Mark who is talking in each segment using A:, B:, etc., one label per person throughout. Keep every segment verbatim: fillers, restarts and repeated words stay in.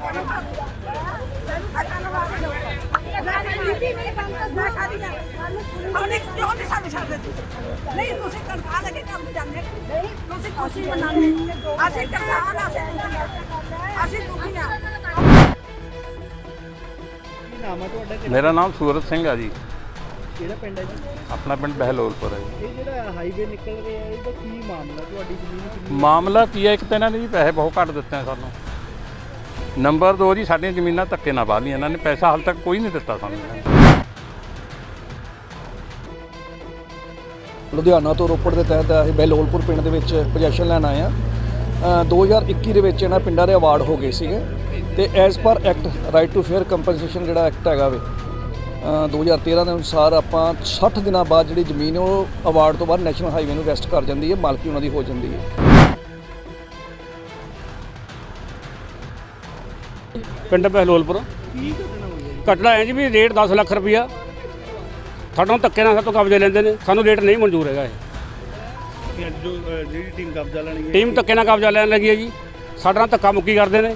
A: नहीं तुसी तनख्वाह लेके काम जाने नहीं तुसी खुशी मनाने ਅਸੀਂ ਕਿਸਾਨ ਅਸੀਂ ਅਸੀਂ ਦੁਖੀ ਆ।
B: ਕੀ ਨਾਮ ਹੈ ਤੁਹਾਡਾ?
C: ਮੇਰਾ ਨਾਮ ਸੂਰਤ ਸਿੰਘ ਆ ਜੀ।
B: ਕਿਹੜਾ ਪਿੰਡ ਹੈ ਜੀ?
C: ਆਪਣਾ ਪਿੰਡ ਬਹਿਲੋਲਪੁਰ ਹੈ ਜੀ।
B: ਇਹ ਜਿਹੜਾ ਹਾਈਵੇ ਨਿਕਲ ਰਿਹਾ ਹੈ ਇਹਦਾ ਕੀ ਮਾਮਲਾ? ਤੁਹਾਡੀ ਜ਼ਮੀਨ ਕਿੰਨੀ?
C: ਮਾਮਲਾ ਕੀ ਹੈ, ਇੱਕ ਤਾਂ ਇਹਨਾਂ ਨੇ ਜੀ ਪੈਸੇ ਬਹੁਤ ਘੱਟ ਦਿੱਤੇ ਆ ਸਾਨੂੰ। ਨੰਬਰ ਦੋ ਜੀ, ਸਾਡੀਆਂ ਜ਼ਮੀਨਾਂ ਧੱਕੇ ਨਾਲ ਵਾਹ ਲਈਆਂ ਇਹਨਾਂ ਨੇ, ਪੈਸਾ ਹਾਲ ਤੱਕ ਕੋਈ ਨਹੀਂ ਦਿੱਤਾ ਸਾਨੂੰ।
D: ਲੁਧਿਆਣਾ ਤੋਂ ਰੋਪੜ ਦੇ ਤਹਿਤ ਅਸੀਂ ਬਹਿਲੋਲਪੁਰ ਪਿੰਡ ਦੇ ਵਿੱਚ ਪੋਜੈਸ਼ਨ ਲੈਣ ਆਏ ਹਾਂ। ਦੋ ਹਜ਼ਾਰ ਇੱਕੀ ਦੇ ਵਿੱਚ ਇਹਨਾਂ ਪਿੰਡਾਂ ਦੇ ਅਵਾਰਡ ਹੋ ਗਏ ਸੀਗੇ ਤੇ as per act right to fair compensation ਜਿਹੜਾ ਐਕਟ ਹੈਗਾ ਵੇ ਦੋ ਹਜ਼ਾਰ ਤੇਰਾਂ ਦੇ ਅਨੁਸਾਰ ਆਪਾਂ ਸੱਠ ਦਿਨਾਂ ਬਾਅਦ ਜਿਹੜੀ ਜ਼ਮੀਨ ਉਹ ਅਵਾਰਡ ਤੋਂ ਬਾਅਦ ਨੈਸ਼ਨਲ ਹਾਈਵੇ ਨੂੰ ਵੈਸਟ ਕਰ ਜਾਂਦੀ ਹੈ, ਮਾਲਕੀ ਉਹਨਾਂ ਦੀ ਹੋ ਜਾਂਦੀ ਹੈ।
E: ਪਿੰਡ ਬਹਿਲੋਲਪੁਰ
B: ਕੀ ਘਟਨਾ ਹੋਈ ਹੈ?
E: ਘਟਨਾ ਹੈ ਜੀ ਵੀ ਰੇਟ ਦਸ ਲੱਖ ਰੁਪਈਆ ਸਾਡਾ ਧੱਕੇ ਨਾਲ ਸਾਤੋਂ ਕਬਜ਼ੇ ਲੈਂਦੇ ਨੇ, ਸਾਨੂੰ ਰੇਟ ਨਹੀਂ ਮਨਜ਼ੂਰ ਹੈਗਾ। ਇਹ
B: ਜੋ ਜਿਹੜੀ ਟੀਮ ਕਬਜ਼ਾ ਲੈਣੀ ਹੈ,
E: ਟੀਮ ਧੱਕੇ ਨਾਲ ਕਬਜ਼ਾ ਲੈਣ ਲੱਗੀ ਹੈ ਜੀ, ਸਾਡੇ ਨਾਲ ਧੱਕਾ ਮੁੱਕੀ ਕਰਦੇ ਨੇ।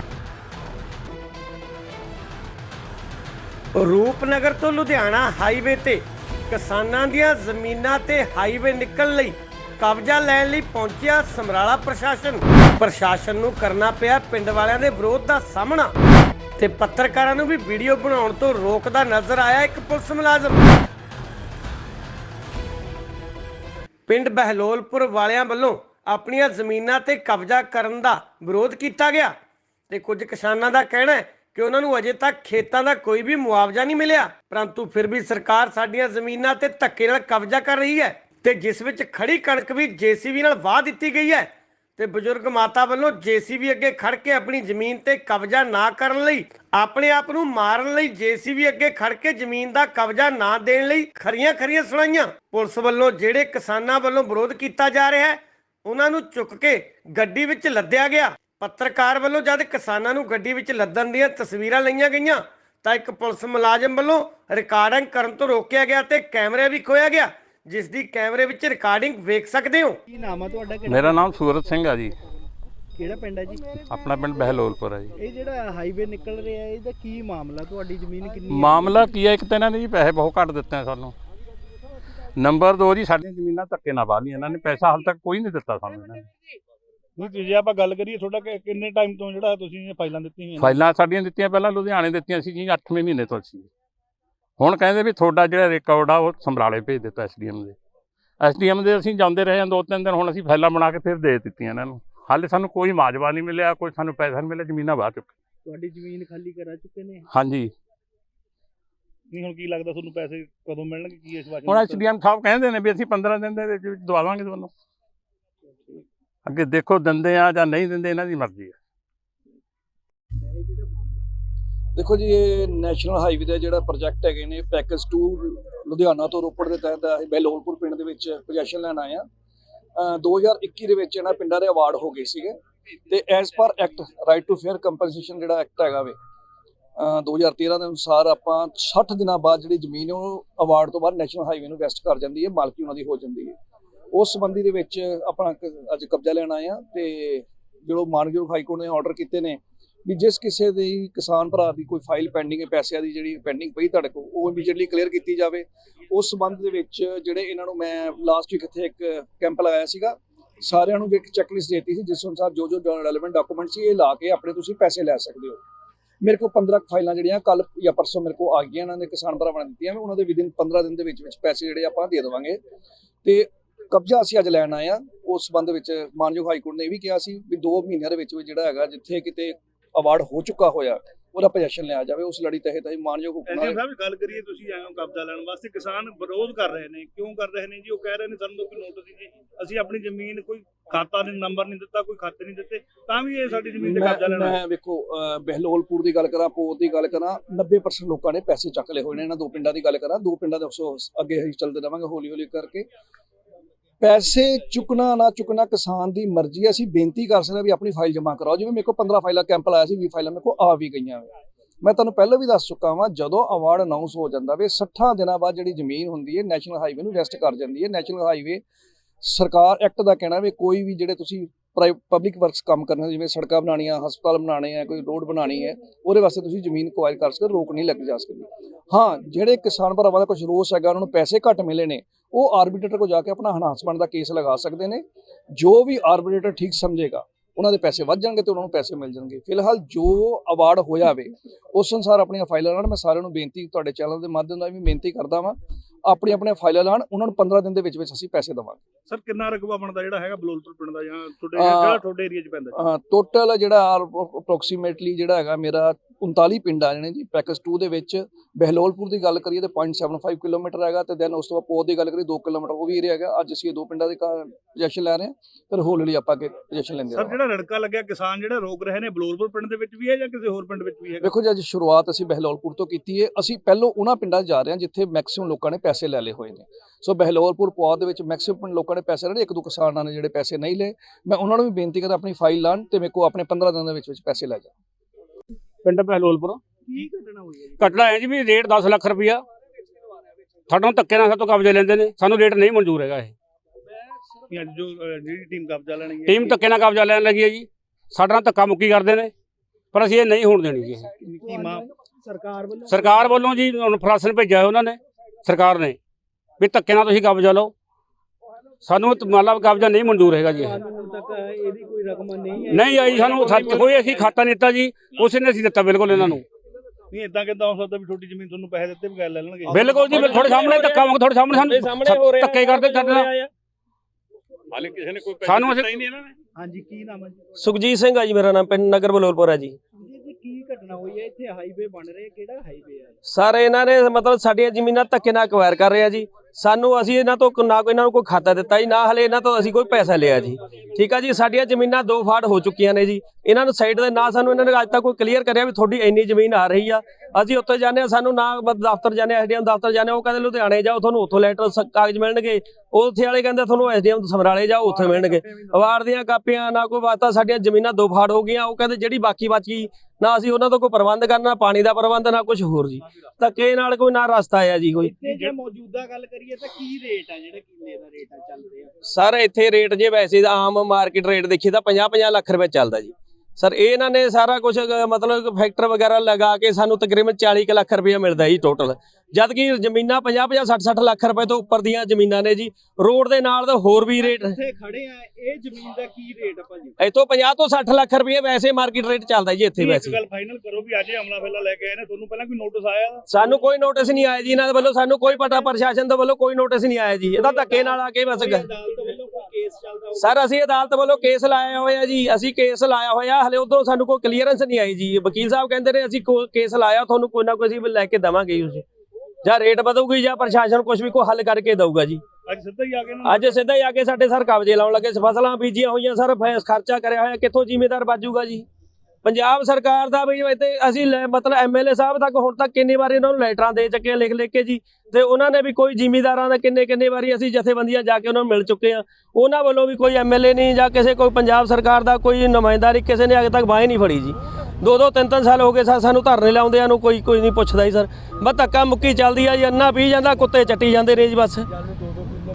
F: ਰੂਪਨਗਰ ਤੋਂ ਲੁਧਿਆਣਾ ਹਾਈਵੇ ਤੇ ਕਿਸਾਨਾਂ ਦੀਆਂ ਜ਼ਮੀਨਾਂ ਤੇ ਹਾਈਵੇ ਨਿਕਲਣ ਲਈ ਕਬਜ਼ਾ ਲੈਣ ਲਈ ਪਹੁੰਚਿਆ ਸਮਰਾਲਾ ਪ੍ਰਸ਼ਾਸਨ। ਪ੍ਰਸ਼ਾਸਨ ਨੂੰ ਕਰਨਾ ਪਿਆ ਪਿੰਡ ਵਾਲਿਆਂ ਦੇ ਵਿਰੋਧ ਦਾ ਸਾਹਮਣਾ ਤੇ ਪੱਤਰਕਾਰਾਂ ਨੂੰ ਵੀ ਵੀਡੀਓ ਬਣਾਉਣ ਤੋਂ ਰੋਕਦਾ ਨਜ਼ਰ ਆਇਆ ਇੱਕ ਪੁਲਿਸ ਮੁਲਾਜ਼ਮ। ਪਿੰਡ ਬਹਿਲੋਲਪੁਰ ਵਾਲਿਆਂ ਵੱਲੋਂ ਆਪਣੀਆਂ ਜ਼ਮੀਨਾਂ ਤੇ ਕਬਜ਼ਾ ਕਰਨ ਦਾ ਵਿਰੋਧ ਕੀਤਾ ਗਿਆ ਤੇ ਕੁਝ ਕਿਸਾਨਾਂ ਦਾ ਕਹਿਣਾ ਹੈ ਕਿ ਉਹਨਾਂ ਨੂੰ ਅਜੇ ਤੱਕ ਖੇਤਾਂ ਦਾ ਕੋਈ ਵੀ ਮੁਆਵਜ਼ਾ ਨਹੀਂ ਮਿਲਿਆ, ਪਰੰਤੂ ਫਿਰ ਵੀ ਸਰਕਾਰ ਸਾਡੀਆਂ ਜ਼ਮੀਨਾਂ ਤੇ ਧੱਕੇ ਨਾਲ ਕਬਜ਼ਾ ਕਰ ਰਹੀ ਹੈ ਤੇ ਜਿਸ ਵਿੱਚ ਖੜੀ ਕਣਕ ਵੀ ਜੇਸੀਬੀ ਨਾਲ ਵਾਹ ਦਿੱਤੀ ਗਈ ਹੈ ਤੇ ਬਜ਼ੁਰਗ ਮਾਤਾ ਵੱਲੋਂ ਜੇਸੀਬੀ ਅੱਗੇ ਖੜ ਕੇ ਆਪਣੀ ਜ਼ਮੀਨ ਤੇ ਕਬਜ਼ਾ ਨਾ ਕਰਨ ਲਈ, ਆਪਣੇ ਆਪ ਨੂੰ ਮਾਰਨ ਲਈ ਜੇਸੀਬੀ ਅੱਗੇ ਖੜ ਕੇ ਜ਼ਮੀਨ ਦਾ ਕਬਜ਼ਾ ਨਾ ਦੇਣ ਲਈ ਖਰੀਆਂ ਖਰੀਆਂ ਸੁਣਾਈਆਂ। ਪੁਲਿਸ ਵੱਲੋਂ ਜਿਹੜੇ ਕਿਸਾਨਾਂ ਵੱਲੋਂ ਵਿਰੋਧ ਕੀਤਾ ਜਾ ਰਿਹਾ ਹੈ ਉਹਨਾਂ ਨੂੰ ਚੁੱਕ ਕੇ ਗੱਡੀ ਵਿੱਚ ਲੱਦਿਆ ਗਿਆ। ਪੱਤਰਕਾਰ ਵੱਲੋਂ ਜਦ ਕਿਸਾਨਾਂ ਨੂੰ ਗੱਡੀ ਵਿੱਚ ਲੱਦਣ ਦੀਆਂ ਤਸਵੀਰਾਂ ਲਈਆਂ ਗਈਆਂ ਤਾਂ ਇੱਕ ਪੁਲਿਸ ਮੁਲਾਜ਼ਮ ਵੱਲੋਂ ਰਿਕਾਰਡਿੰਗ ਕਰਨ ਤੋਂ ਰੋਕਿਆ ਗਿਆ ਤੇ ਕੈਮਰਾ ਵੀ ਖੋਇਆ ਗਿਆ, ਜਿਸ ਦੀ ਕੈਮਰੇ ਵਿੱਚ ਰਿਕਾਰਡਿੰਗ ਵੇਖ ਸਕਦੇ ਹੋ।
B: ਕੀ ਨਾਮ ਹੈ ਤੁਹਾਡਾ?
C: ਮੇਰਾ ਨਾਮ ਸੂਰਤ ਸਿੰਘ ਆ ਜੀ।
B: ਕਿਹੜਾ ਪਿੰਡ ਹੈ ਜੀ?
C: ਆਪਣਾ ਪਿੰਡ ਬਹਿਲੋਲਪੁਰ ਹੈ ਜੀ।
B: ਇਹ ਜਿਹੜਾ ਹਾਈਵੇ ਨਿਕਲ ਰਿਹਾ ਹੈ ਇਹਦਾ ਕੀ ਮਾਮਲਾ? ਤੁਹਾਡੀ ਜ਼ਮੀਨ ਕਿੰਨੀ?
C: ਮਾਮਲਾ ਕੀ ਹੈ, ਇੱਕ ਤਾਂ ਇਹਨਾਂ ਨੇ ਜੀ ਪੈਸੇ ਬਹੁਤ ਘੱਟ ਦਿੱਤੇ ਆ ਸਾਨੂੰ। ਨੰਬਰ ਦੋ ਜੀ, ਸਾਡੀਆਂ ਜ਼ਮੀਨਾਂ ਧੱਕੇ ਨਾਲ ਵਾਹ ਲਈਆਂ ਇਹਨਾਂ ਨੇ, ਪੈਸਾ ਹਾਲ ਤੱਕ ਕੋਈ ਨਹੀਂ ਦਿੱਤਾ ਸਾਨੂੰ ਇਹਨਾਂ ਨੇ।
B: ਨਹੀਂ, ਜੇ ਆਪਾਂ ਗੱਲ ਕਰੀਏ ਤੁਹਾਡਾ ਕਿੰਨੇ ਟਾਈਮ ਤੋਂ ਜਿਹੜਾ ਤੁਸੀਂ ਇਹ ਫਾਈਲਾਂ ਦਿੱਤੀਆਂ?
C: ਫਾਈਲਾਂ ਸਾਡੀਆਂ ਦਿੱਤੀਆਂ ਪਹਿਲਾਂ ਲੁਧਿਆਣੇ ਦਿੱਤੀਆਂ ਸੀ ਜੀ, ਅੱਠਵੇਂ ਮਹੀਨੇ ਤੋਂ ਸੀ। ਹੁਣ ਕਹਿੰਦੇ ਵੀ ਤੁਹਾਡਾ ਜਿਹੜਾ ਰਿਕਾਰਡ ਆ ਉਹ ਸਮਰਾਲੇ ਭੇਜ ਦਿੱਤਾ ਐਸਡੀਐਮ ਦੇ। ਐਸਡੀਐਮ ਦੇ ਅਸੀਂ ਜਾਂਦੇ ਰਹੇ ਹਾਂ ਦੋ ਤਿੰਨ ਦਿਨ, ਹੁਣ ਅਸੀਂ ਫਾਈਲਾਂ ਬਣਾ ਕੇ ਫਿਰ ਦੇ ਦਿੱਤੀਆਂ ਇਹਨਾਂ ਨੂੰ। ਹਾਲੇ ਸਾਨੂੰ ਕੋਈ ਮਾਜਵਾ ਨਹੀਂ ਮਿਲਿਆ, ਕੋਈ ਸਾਨੂੰ ਪੈਸਾ ਨਹੀਂ ਮਿਲਿਆ, ਜ਼ਮੀਨਾਂ ਵਾਹ ਚੁੱਕੇ।
B: ਤੁਹਾਡੀ ਜ਼ਮੀਨ ਖਾਲੀ ਕਰਾ ਚੁੱਕੇ ਨੇ?
C: ਹਾਂਜੀ।
B: ਨਹੀਂ, ਹੁਣ ਕੀ ਲੱਗਦਾ ਤੁਹਾਨੂੰ ਪੈਸੇ ਕਦੋਂ ਮਿਲਣਗੇ? ਕੀ ਇਸ ਵਾਰ
C: ਹੁਣ ਐਸਡੀਐਮ ਸਾਹਿਬ ਕਹਿੰਦੇ ਨੇ ਵੀ ਅਸੀਂ ਪੰਦਰਾਂ ਦਿਨ ਦੇ ਵਿੱਚ ਵਿੱਚ ਦਵਾ ਦੇਵਾਂਗੇ ਤੁਹਾਨੂੰ। ਅੱਗੇ ਦੇਖੋ ਦਿੰਦੇ ਆ ਜਾਂ ਨਹੀਂ ਦਿੰਦੇ, ਇਹਨਾਂ ਦੀ ਮਰਜ਼ੀ ਹੈ।
D: ਦੇਖੋ ਜੀ, ਇਹ ਨੈਸ਼ਨਲ ਹਾਈਵੇ ਦਾ ਜਿਹੜਾ ਪ੍ਰੋਜੈਕਟ ਹੈਗੇ ਨੇ ਪੈਕੇਜ ਟੂ ਲੁਧਿਆਣਾ ਤੋਂ ਰੋਪੜ ਦੇ ਤਹਿਤ ਅਸੀਂ ਬਹਿਲੋਲਪੁਰ ਪਿੰਡ ਦੇ ਵਿੱਚ ਪੋਜੈਸ਼ਨ ਲੈਣ ਆਏ ਹਾਂ। ਦੋ ਹਜ਼ਾਰ ਇੱਕੀ ਦੇ ਵਿੱਚ ਇਹਨਾਂ ਪਿੰਡਾਂ ਦੇ ਅਵਾਰਡ ਹੋ ਗਏ ਸੀਗੇ ਤੇ as per act right to fair compensation ਜਿਹੜਾ ਐਕਟ ਹੈਗਾ ਵੇ ਦੋ ਹਜ਼ਾਰ ਤੇਰਾਂ ਦੇ ਅਨੁਸਾਰ ਆਪਾਂ ਸੱਠ ਦਿਨਾਂ ਬਾਅਦ ਜਿਹੜੀ ਜ਼ਮੀਨ ਉਹ ਅਵਾਰਡ ਤੋਂ ਬਾਅਦ ਨੈਸ਼ਨਲ ਹਾਈਵੇ ਨੂੰ ਵੈਸਟ ਕਰ ਜਾਂਦੀ ਹੈ, ਮਾਲਕੀ ਉਹਨਾਂ ਦੀ ਹੋ ਜਾਂਦੀ ਹੈ। ਉਸ ਸੰਬੰਧੀ ਦੇ ਵਿੱਚ ਆਪਣਾ ਅੱਜ ਕਬਜ਼ਾ ਲੈਣ ਆਏ ਹਾਂ ਤੇ ਜਦੋਂ ਮਾਨਯੋਗ ਹਾਈ ਕੋਰਟ ਨੇ ਆਰਡਰ ਕੀਤੇ ਨੇ ਵੀ ਜਿਸ ਕਿਸੇ ਦੀ ਕਿਸਾਨ ਭਰਾ ਦੀ ਕੋਈ ਫਾਈਲ ਪੈਂਡਿੰਗ ਹੈ, ਪੈਸਿਆਂ ਦੀ ਜਿਹੜੀ ਪੈਂਡਿੰਗ ਪਈ ਤੁਹਾਡੇ ਕੋਲ, ਉਹ ਇਮੀਡੀਏਟਲੀ ਕਲੀਅਰ ਕੀਤੀ ਜਾਵੇ। ਉਸ ਸੰਬੰਧ ਦੇ ਵਿੱਚ ਜਿਹੜੇ ਇਹਨਾਂ ਨੂੰ ਮੈਂ ਲਾਸਟ ਵੀਕ ਇੱਥੇ ਇੱਕ ਕੈਂਪ ਲਗਾਇਆ ਸੀਗਾ, ਸਾਰਿਆਂ ਨੂੰ ਇੱਕ ਚੈੱਕਲਿਸਟ ਦਿੱਤੀ ਸੀ ਜਿਸ ਅਨੁਸਾਰ ਜੋ ਜੋ ਰੈਲੇਵੈਂਟ ਡਾਕੂਮੈਂਟ ਸੀ ਇਹ ਲਾ ਕੇ ਆਪਣੇ ਤੁਸੀਂ ਪੈਸੇ ਲੈ ਸਕਦੇ ਹੋ। ਮੇਰੇ ਕੋਲ ਪੰਦਰਾਂ ਫਾਈਲਾਂ ਜਿਹੜੀਆਂ ਕੱਲ ਜਾਂ ਪਰਸੋਂ ਮੇਰੇ ਕੋਲ ਆ ਗਈਆਂ, ਇਹਨਾਂ ਨੇ ਕਿਸਾਨ ਭਰਾਵਾਂ ਨੇ ਦਿੱਤੀਆਂ, ਉਹਨਾਂ ਦੇ ਵਿਦਿਨ ਪੰਦਰਾਂ ਦਿਨ ਦੇ ਵਿੱਚ ਵਿੱਚ ਪੈਸੇ ਜਿਹੜੇ ਆਪਾਂ ਦੇ ਦੇਵਾਂਗੇ। ਤੇ ਕਬਜ਼ਾ ਅਸੀਂ ਅੱਜ ਲੈਣ ਆਏ ਹਾਂ। ਉਸ ਸੰਬੰਧ ਵਿੱਚ ਮਾਨਯੋਗ ਹਾਈ ਕੋਰਟ ਨੇ ਇਹ ਵੀ ਕਿਹਾ ਸੀ ਵੀ ਦੋ ਮਹੀਨਿਆਂ ਦੇ ਵਿੱਚ ਵਿੱਚ ਜਿਹੜਾ ਹੈਗਾ ਜਿੱਥੇ ਕਿਤੇ ਅਵਾਰਡ ਹੋ ਚੁੱਕਾ ਹੋਇਆ ਉਹਦਾ ਪੋਜੈਸ਼ਨ ਲਿਆ ਜਾਵੇ। ਉਸ ਲੜੀ ਤਹਿਤ ਅਸੀਂ ਮਾਨਯੋਗ ਹੁਕਮ ਨਾਲ
B: ਗੱਲ ਕਰੀਏ, ਤੁਸੀਂ ਆਏ ਹੋ ਕਬਜ਼ਾ ਲੈਣ ਵਾਸਤੇ, ਕਿਸਾਨ ਵਿਰੋਧ ਕਰ ਰਹੇ ਨੇ। ਕਿਉਂ ਕਰ ਰਹੇ ਨੇ ਜੀ? ਉਹ ਕਹਿ ਰਹੇ ਨੇ ਸਾਨੂੰ ਕੋਈ ਨੋਟਿਸ ਨਹੀਂ, ਅਸੀਂ ਆਪਣੀ ਜ਼ਮੀਨ ਕੋਈ ਖਾਤਾ ਨਹੀਂ, ਨੰਬਰ ਨਹੀਂ ਦਿੱਤਾ, ਕੋਈ ਖਾਤੇ ਨਹੀਂ ਦਿੱਤੇ, ਤਾਂ ਵੀ ਇਹ ਸਾਡੀ ਜ਼ਮੀਨ ਤੇ ਕਬਜ਼ਾ ਲੈਣਾ।
D: ਮੈਂ ਵੇਖੋ ਬਹਿਲੋਲਪੁਰ ਦੀ ਗੱਲ ਕਰਾਂ, ਪੋਤ ਦੀ ਗੱਲ ਕਰਾਂ, ਨੱਬੇ ਪਰਸੈਂਟ ਲੋਕਾਂ ਨੇ ਪੈਸੇ ਚੱਕ ਲਏ ਹੋਏ ਨੇ। ਇਹਨਾਂ ਦੋ ਪਿੰਡਾਂ ਦੀ ਗੱਲ ਕਰਾਂ, ਦੋ ਪਿੰਡਾਂ ਦੇ ਅਫਸੋਸ ਅੱਗੇ ਅਸੀਂ ਚੱਲਦੇ ਰਵਾਂਗੇ ਹੌਲੀ ਹੌਲੀ ਕਰਕੇ। ਪੈਸੇ ਚੁੱਕਣਾ ਨਾ ਚੁੱਕਣਾ ਕਿਸਾਨ ਦੀ ਮਰਜ਼ੀ ਹੈ। ਅਸੀਂ ਬੇਨਤੀ ਕਰ ਸਕਦੇ ਵੀ ਆਪਣੀ ਫਾਈਲ ਜਮ੍ਹਾਂ ਕਰਾਓ। ਜਿਵੇਂ ਮੇਰੇ ਕੋਲ ਪੰਦਰਾਂ ਫਾਈਲਾਂ ਕੈਂਪ ਲਾਇਆ ਸੀ, ਵੀਹ ਫਾਈਲਾਂ ਮੇਰੇ ਕੋਲ ਆ ਵੀ ਗਈਆਂ। ਮੈਂ ਤੁਹਾਨੂੰ ਪਹਿਲਾਂ ਵੀ ਦੱਸ ਚੁੱਕਾ ਵਾਂ, ਜਦੋਂ ਅਵਾਰਡ ਅਨਾਉਂਸ ਹੋ ਜਾਂਦਾ ਵੇ ਸੱਠਾਂ ਦਿਨਾਂ ਬਾਅਦ ਜਿਹੜੀ ਜ਼ਮੀਨ ਹੁੰਦੀ ਹੈ ਨੈਸ਼ਨਲ ਹਾਈਵੇ ਨੂੰ ਵੈਸਟ ਕਰ ਜਾਂਦੀ ਹੈ। ਨੈਸ਼ਨਲ ਹਾਈਵੇ ਸਰਕਾਰ ਐਕਟ ਦਾ ਕਹਿਣਾ ਵੀ ਕੋਈ ਵੀ ਜਿਹੜੇ ਤੁਸੀਂ ਪਬਲਿਕ ਵਰਕਸ ਕੰਮ ਕਰਨਾ, ਜਿਵੇਂ ਸੜਕਾਂ ਬਣਾਉਣੀਆਂ, ਹਸਪਤਾਲ ਬਣਾਉਣੇ ਆ, ਕੋਈ ਰੋਡ ਬਣਾਉਣੀ ਹੈ, ਉਹਦੇ ਵਾਸਤੇ ਤੁਸੀਂ ਜ਼ਮੀਨ ਅਕਵਾਇਰ ਕਰ ਸਕਦੇ, ਰੋਕ ਨਹੀਂ ਲੱਗ ਜਾ ਸਕਦੀ। ਹਾਂ, ਜਿਹੜੇ ਕਿਸਾਨ ਭਰਾਵਾਂ ਦਾ ਕੁਝ ਰੋਸ ਹੈਗਾ, ਉਹਨਾਂ ਨੂੰ ਪੈਸੇ ਘੱਟ ਮਿਲੇ ਨੇ, ਉਹ ਆਰਬੀਟਰੇਟਰ ਕੋਲ ਜਾ ਕੇ ਆਪਣਾ ਹਨਾਸਮੈਂਟ ਦਾ ਕੇਸ ਲਗਾ ਸਕਦੇ ਨੇ। ਜੋ ਵੀ ਆਰਬੀਟਰੇਟਰ ਠੀਕ ਸਮਝੇਗਾ ਉਹਨਾਂ ਦੇ ਪੈਸੇ ਵੱਧ ਜਾਣਗੇ ਤੇ ਉਹਨਾਂ ਨੂੰ ਪੈਸੇ ਮਿਲ ਜਾਣਗੇ। ਫਿਲਹਾਲ ਜੋ ਅਵਾਰਡ ਹੋਇਆ ਵੇ ਉਸ ਅਨੁਸਾਰ ਆਪਣੀਆਂ ਫਾਈਲਾਂ ਲਾਉਣ। ਮੈਂ ਸਾਰਿਆਂ ਨੂੰ ਬੇਨਤੀ, ਤੁਹਾਡੇ ਚੈਨਲ ਦੇ ਮਾਧਿਅਮ ਨਾਲ ਵੀ ਬੇਨਤੀ ਕਰਦਾ ਵਾਂ, ਆਪਣੀ ਆਪਣੀਆਂ ਫਾਈਲਾਂ ਲਾਉਣ, ਉਹਨਾਂ ਨੂੰ ਪੰਦਰਾਂ ਦਿਨ ਦੇ ਵਿੱਚ ਵਿੱਚ ਅਸੀਂ ਪੈਸੇ ਦੇਵਾਂਗੇ।
B: ਸਰ ਕਿੰਨਾ ਰਕਬਾ ਬਣਦਾ ਜਿਹੜਾ ਹੈਗਾ ਬਲੋਲਪੁਰ ਪਿੰਡ ਦਾ, ਜਾਂ ਤੁਹਾਡੇ ਜਿਹੜਾ ਤੁਹਾਡੇ ਏਰੀਆ 'ਚ ਪੈਂਦਾ?
D: ਟੋਟਲ ਜਿਹੜਾ ਅਪਰੋਕਸੀਮੇਟਲੀ ਜਿਹੜਾ ਹੈਗਾ ਮੇਰਾ ਉਨਤਾਲੀ ਪਿੰਡ ਆ ਜਾਣੇ ਜੀ ਪੈਕੇਜ ਟੂ ਦੇ ਵਿੱਚ। ਬਹਿਲੋਲਪੁਰ ਦੀ ਗੱਲ ਕਰੀਏ ਤਾਂ ਪੁਆਇੰਟ ਸੈਵਨ ਫਾਈਵ ਕਿਲੋਮੀਟਰ ਹੈਗਾ, ਤੇ ਦੈਨ ਉਸ ਤੋਂ ਬਾਅਦ ਪੋਹ ਦੀ ਗੱਲ ਕਰੀਏ ਦੋ ਕਿਲੋਮੀਟਰ ਉਹ ਵੀ ਏਰੀਆ ਹੈਗਾ। ਅੱਜ ਅਸੀਂ ਇਹ ਦੋ ਪਿੰਡਾਂ ਦੇ ਪੋਜੀਸ਼ਨ ਲੈ ਰਹੇ ਹਾਂ, ਫਿਰ ਹੌਲੀ ਆਪਾਂ ਅੱਗੇ ਪੋਜੀਸ਼ਨ ਲੈਂਦੇ ਹਾਂ।
B: ਸਰ ਜਿਹੜਾ ਰੜਕਾ ਲੱਗਿਆ ਕਿਸਾਨ ਜਿਹੜੇ ਰੋਕ ਰਹੇ ਨੇ, ਬਲੋਲਪੁਰ ਪਿੰਡ ਦੇ ਵਿੱਚ ਵੀ ਹੈ ਜਾਂ ਕਿਸੇ ਹੋਰ ਪਿੰਡ ਵਿੱਚ ਵੀ ਹੈ?
D: ਵੇਖੋ ਜੀ, ਅੱਜ ਸ਼ੁਰੂਆਤ ਅਸੀਂ ਬਹਿਲੋਲਪੁਰ ਤੋਂ ਕੀਤੀ ਹੈ। ਅਸੀਂ ਪਹਿਲੋਂ ਉਹਨਾਂ ਪਿੰਡਾਂ 'ਚ ਜਾ ਰਹੇ ਹਾਂ ਜਿੱਥੇ ਮੈਕਸਿਮਮ ਲੋਕਾਂ ਨੇ ਪੈਸੇ ਲੈ ਲਏ ਹੋਏ ਨੇ। ਸੋ ਬਹਿਲੋਲਪੁਰ ਪੋਹ ਦੇ ਵਿੱਚ ਮੈਕਸਿਮਮ ਲੋਕਾਂ ਨੇ ਪੈਸੇ ਲੈ ਲਏ, ਇੱਕ ਦੋ ਕਿਸਾਨਾਂ ਨੇ ਜਿਹੜੇ ਪੈਸੇ ਨਹੀਂ ਲਏ। ਮੈਂ ਉਹਨਾਂ ਨੂੰ ਵੀ ਬੇਨਤੀ ਕਰਦਾ ਆਪਣੀ ਫਾਈਲ ਲਾਣ ਤੇ ਮੇਰੇ ਕੋਲ ਆਪਣੇ ਪੰਦਰਾਂ ਦਿਨਾਂ ਦੇ ਵਿੱਚ ਵਿੱਚ ਪੈਸੇ ਲੈ ਜਾਣ।
E: ਪਿੰਡ ਬਹਿਲੋਲਪੁਰ
B: ਕੀ ਘਟਨਾ ਹੋਈ ਹੈ ਜੀ?
E: ਘਟਨਾ ਹੈ ਜੀ ਵੀ ਰੇਟ ਦਸ ਲੱਖ ਰੁਪਈਆ ਸਾਡਾ ਧੱਕੇ ਨਾਲ ਸਾਤੋਂ ਕਬਜ਼ੇ ਲੈਂਦੇ ਨੇ, ਸਾਨੂੰ ਰੇਟ ਨਹੀਂ ਮਨਜ਼ੂਰ ਹੈਗਾ। ਇਹ
B: ਅੱਜ ਜੋ ਅਹ, ਜਿਹੜੀ ਟੀਮ ਕਬਜ਼ਾ ਲੈਣੀ ਹੈ,
E: ਟੀਮ ਧੱਕੇ ਨਾਲ ਕਬਜ਼ਾ ਲੈਣ ਲੱਗੀ ਹੈ ਜੀ, ਸਾਡੇ ਨਾਲ ਧੱਕਾ ਮੁੱਕੀ ਕਰਦੇ ਨੇ, ਪਰ ਅਸੀਂ ਇਹ ਨਹੀਂ ਹੋਣ ਦੇਣੀ ਜੀ। ਇਹ
B: ਕੀ ਮਾਂ
E: ਸਰਕਾਰ ਵੱਲੋਂ ਜੀ ਹੁਣ ਫਰਾਸਨ ਭੇਜਿਆ ਉਹਨਾਂ ਨੇ, ਸਰਕਾਰ ਨੇ, ਵੀ ਧੱਕੇ ਨਾਲ ਤੁਸੀਂ ਕਬਜ਼ਾ ਲਓ, ਸਾਨੂੰ ਮਤਲਬ ਕਬਜ਼ਾ ਨਹੀਂ ਮਨਜ਼ੂਰ ਹੈਗਾ ਜੀ।
B: ਇਹਦੀ ਕੋਈ ਰਕਮ ਨਹੀਂ
E: ਨਹੀਂ ਆਈ ਸਾਨੂੰ, ਸੱਚ ਕੋਈ ਅਸੀਂ ਖਾਤਾ ਨਹੀਂ ਦਿੱਤਾ ਜੀ, ਉਸੇ ਨੇ ਅਸੀਂ ਦਿੱਤਾ ਬਿਲਕੁਲ ਇਹਨਾਂ ਨੂੰ।
B: ਨਹੀਂ ਇਦਾਂ ਕਿੱਦਾਂ ਹੋ ਸਕਦਾ ਵੀ ਛੋਟੀ ਜ਼ਮੀਨ ਤੁਹਾਨੂੰ ਪੈਸੇ ਦਿੱਤੇ ਬਗੈਰ ਲੈ ਲੈਣਗੇ?
E: ਬਿਲਕੁਲ ਜੀ, ਤੁਹਾਡੇ ਸਾਹਮਣੇ ਧੱਕਾ ਵਾਂਗ ਤੁਹਾਡੇ ਸਾਹਮਣੇ ਸਾਨੂੰ ਧੱਕੇ ਕਰਦੇ ਸਾਡੇ ਨਾਲ।
B: ਹਾਲੇ ਕਿਸੇ ਨੇ ਕੋਈ
E: ਸਾਨੂੰ
B: ਦਿੱਤਾ ਹੀ ਨਹੀਂ ਇਹਨਾਂ ਨੇ। ਹਾਂਜੀ, ਕੀ ਨਾਮ ਹੈ ਜੀ?
G: ਸੁਖਜੀਤ ਸਿੰਘ ਆ ਜੀ ਮੇਰਾ ਨਾਮ, ਪਿੰਡ ਨਗਰ ਬਲੋਲਪੁਰ ਹੈ ਜੀ।
B: ਜੀ ਕੀ ਘਟਨਾ ਹੋਈ ਹੈ? ਇੱਥੇ ਹਾਈਵੇ ਬਣ ਰਿਹਾ, ਕਿਹੜਾ ਹਾਈਵੇ ਹੈ?
G: ਸਰ ਇਹਨਾਂ ਨੇ ਮਤਲਬ ਸਾਡੀਆਂ ਜ਼ਮੀਨਾਂ ਧੱਕੇ ਨਾਲ ਅਕਵਾਇਰ ਕਰ ਰਹੇ ਆ ਜੀ। ਸਾਨੂੰ ਅਸੀਂ ਇਹਨਾਂ ਤੋਂ ਨਾ ਕੋਈ ਇਹਨਾਂ ਨੂੰ ਕੋਈ ਖਾਤਾ ਦਿੱਤਾ ਜੀ, ਨਾ ਹਲੇ ਇਹਨਾਂ ਤੋਂ ਅਸੀਂ ਕੋਈ ਪੈਸਾ ਲਿਆ ਜੀ। ਠੀਕ ਆ ਜੀ, ਸਾਡੀਆਂ ਜ਼ਮੀਨਾਂ ਦੋ ਫਾੜ ਹੋ ਚੁੱਕੀਆਂ ਨੇ ਜੀ। ਇਹਨਾਂ ਨੂੰ ਸਾਈਡ ਦੇ ਨਾ ਸਾਨੂੰ ਇਹਨਾਂ ਨੇ ਅੱਜ ਤੱਕ ਕੋਈ ਕਲੀਅਰ ਕਰਿਆ ਵੀ ਤੁਹਾਡੀ ਇੰਨੀ ਜ਼ਮੀਨ ਆ ਰਹੀ ਆ। ਅਸੀਂ ਉੱਥੇ ਜਾਂਦੇ ਆ, ਸਾਨੂੰ ਨਾ ਦਫ਼ਤਰ ਜਾਂਦੇ ਆ, ਐਸਡੀਐਮ ਦਫ਼ਤਰ ਜਾਂਦੇ ਆ, ਉਹ ਕਹਿੰਦੇ ਲੁਧਿਆਣੇ ਜਾਓ ਤੁਹਾਨੂੰ ਉੱਥੋਂ ਲੈਟਰ ਕਾਗਜ਼ ਮਿਲਣਗੇ। ਉੱਥੇ ਵਾਲੇ ਕਹਿੰਦੇ ਤੁਹਾਨੂੰ ਐਸਡੀਐਮ ਸਮਰਾਲੇ ਜਾਓ ਉੱਥੇ ਮਿਲਣਗੇ। ਅਵਾਰਡ ਦੀਆਂ ਕਾਪੀਆਂ ਨਾ ਕੋਈ ਵਾਸਤਾ, ਸਾਡੀਆਂ ਜ਼ਮੀਨਾਂ ਦੋ ਫਾੜ ਹੋ ਗਈਆਂ। ਉਹ ਕਹਿੰਦੇ ਜਿਹੜੀ ਬਾਕੀ ਬਚ ਗਈ ਨਾ ਅਸੀਂ ਉਹਨਾਂ ਤੋਂ ਕੋਈ ਪ੍ਰਬੰਧ ਕਰਨਾ, ਪਾਣੀ ਦਾ ਪ੍ਰਬੰਧ ਨਾ ਕੁਝ ਹੋਰ ਜੀ। ਧੱਕੇ ਨਾਲ ਕੋਈ ਨਾ ਰਸਤਾ ਆ ਜੀ ਕੋਈ।
B: ਜੇ ਮੌਜੂਦਾ ਗੱਲ ਕਰੀਏ ਤਾਂ ਕੀ ਰੇਟ ਹੈ, ਜਿਹੜਾ ਕਿੱਲੇ ਦਾ ਰੇਟ ਆ ਚੱਲ ਰਿਹਾ?
G: ਸਰ ਇੱਥੇ ਰੇਟ ਜੇ ਵੈਸੇ ਤਾਂ ਆਮ ਮਾਰਕੀਟ ਰੇਟ ਦੇਖੀ ਤਾਂ ਪੰਜਾਹ ਪੰਜਾਹ ਲੱਖ ਰੁਪਏ ਚੱਲਦਾ ਜੀ। ਸਰ ਇਹ ਇਹਨਾਂ ਨੇ ਸਾਰਾ ਕੁਝ ਮਤਲਬ ਫੈਕਟਰ ਵਗੈਰਾ ਲਗਾ ਕੇ ਸਾਨੂੰ ਤਕਰੀਬਨ ਚਾਲੀ ਕੁ ਲੱਖ ਰੁਪਏ ਮਿਲਦਾ ਜੀ ਟੋਟਲ, ਜਦ ਕਿ ਜ਼ਮੀਨਾਂ ਪੰਜਾਹ ਪੰਜਾਹ ਸੱਠ ਸੱਠ ਲੱਖ ਰੁਪਏ ਤੋਂ ਉੱਪਰ ਦੀਆਂ ਜ਼ਮੀਨਾਂ ਨੇ ਜੀ। ਰੋਡ ਦੇ ਨਾਲ ਤਾਂ ਹੋਰ ਵੀ ਰੇਟ,
B: ਇੱਥੇ ਖੜੇ ਆ, ਇਹ ਜ਼ਮੀਨ ਦਾ ਕੀ ਰੇਟ ਆ ਭਾਜੀ?
G: ਇੱਥੋਂ ਪੰਜਾਹ ਤੋਂ ਸੱਠ ਲੱਖ ਰੁਪਏ ਵੈਸੇ ਮਾਰਕੀਟ ਰੇਟ ਚੱਲਦਾ ਜੀ ਇੱਥੇ।
B: ਇੱਕ
G: ਵੈਸੇ
B: ਗੱਲ ਫਾਈਨਲ ਕਰੋ ਵੀ ਅੱਜ ਇਹ ਹਮਲਾ ਫੇਲਾ ਲੈ ਕੇ ਆਏ ਨੇ, ਤੁਹਾਨੂੰ ਪਹਿਲਾਂ ਕੋਈ ਨੋਟਿਸ ਆਇਆ?
G: ਸਾਨੂੰ ਕੋਈ ਨੋਟਿਸ ਨਹੀਂ ਆਇਆ ਜੀ ਇਹਨਾਂ ਦੇ ਵੱਲੋਂ, ਸਾਨੂੰ ਕੋਈ ਪਤਾ ਪ੍ਰਸ਼ਾਸਨ ਦੇ ਵੱਲੋਂ ਕੋਈ ਨੋਟਿਸ ਨਹੀਂ ਆਇਆ ਜੀ। ਇਹ ਤਾਂ ਧੱਕੇ ਨਾਲ ਆ ਕੇ ਬਸ ਗ-
B: ਅਦਾਲਤ ਵੱਲੋਂ ਕੋਈ ਕੇਸ ਚੱਲਦਾ ਹੋਊ?
G: ਸਰ ਅਸੀਂ ਅਦਾਲਤ ਵੱਲੋਂ ਕੇਸ ਲਾਇਆ ਹੋਇਆ ਜੀ, ਅਸੀਂ ਕੇਸ ਲਾਇਆ ਹੋਇਆ, ਹਲੇ ਉਧਰੋਂ ਸਾਨੂੰ ਕੋਈ ਕਲੀਅਰੈਂਸ ਨਹੀਂ ਆਈ ਜੀ। ਵਕੀਲ ਸਾਹਿਬ ਕਹਿੰਦੇ ਨੇ ਅਸੀਂ ਕੇਸ ਲਾਇਆ, ਤੁਹਾਨੂੰ ਕੋਈ ਨਾ ਕੋਈ ਅਸੀਂ ਲੈ ਕੇ ਦੇਵਾਂਗੇ ਜੀ। ਜਾਂ ਰੇਟ ਵਧੂਗੀ ਜਾਂ ਪ੍ਰਸ਼ਾਸਨ ਕੁਝ ਵੀ ਕੋਈ ਹੱਲ ਕਰਕੇ ਦਊਗਾ ਜੀ।
B: ਅੱਜ ਸਿੱਧਾ ਹੀ ਆ ਕੇ ਨਾ
G: ਅੱਜ ਸਿੱਧਾ ਹੀ ਆ ਕੇ ਸਾਡੇ ਸਰ ਕਬਜ਼ੇ ਲਾਉਣ ਲੱਗੇ। ਫਸਲਾਂ ਬੀਜੀਆਂ ਹੋਈਆਂ ਸਰ, ਖਰਚਾ ਕਰਿਆ ਹੋਇਆ, ਕਿੱਥੋਂ ਜ਼ਿਮੀਦਾਰ ਬਾਜੂਗਾ ਜੀ? ਪੰਜਾਬ ਸਰਕਾਰ ਦਾ ਵੀ ਇੱਥੇ ਅਸੀਂ ਮਤਲਬ ਐਮਐਲਏ ਸਾਹਿਬ ਤੱਕ ਹੁਣ ਤੱਕ ਕਿੰਨੀ ਵਾਰੀ ਉਹਨਾਂ ਨੂੰ ਲੈਟਰਾਂ ਦੇ ਚੱਕੇ ਲਿਖ ਲਿਖ ਕੇ ਜੀ, ਤੇ ਉਹਨਾਂ ਨੇ ਵੀ ਕੋਈ ਜ਼ਿਮੀਦਾਰਾਂ ਦਾ ਕਿੰਨੇ ਕਿੰਨੇ ਵਾਰੀ ਅਸੀਂ ਜਥੇਬੰਦੀਆਂ ਜਾ ਕੇ ਉਹਨਾਂ ਨੂੰ ਮਿਲ ਚੁੱਕੇ ਆ। ਉਹਨਾਂ ਵੱਲੋਂ ਵੀ ਕੋਈ ਐਮਐਲਏ ਨਹੀਂ ਜਾਂ ਕਿਸੇ ਕੋਈ ਪੰਜਾਬ ਸਰਕਾਰ ਦਾ ਕੋਈ ਨੁਮਾਇੰਦਾਰੀ ਕਿਸੇ ਨੇ ਅਜੇ ਤੱਕ ਬਾਂਹ ਨਹੀਂ ਫੜੀ ਜੀ। ਦੋ ਦੋ ਤਿੰਨ ਤਿੰਨ ਸਾਲ ਹੋ ਗਏ ਸਰ ਸਾਨੂੰ ਧਰਨੇ ਲਾਉਂਦਿਆਂ ਨੂੰ, ਕੋਈ ਕੋਈ ਨਹੀਂ ਪੁੱਛਦਾ ਜੀ ਸਰ। ਬਸ ਧੱਕਾ ਮੁੱਕੀ ਚੱਲਦੀ ਆ ਜੀ, ਅੰਨਾ ਪੀ ਜਾਂਦਾ, ਕੁੱਤੇ ਚੱਟੀ ਜਾਂਦੇ ਨੇ ਜੀ ਬਸ।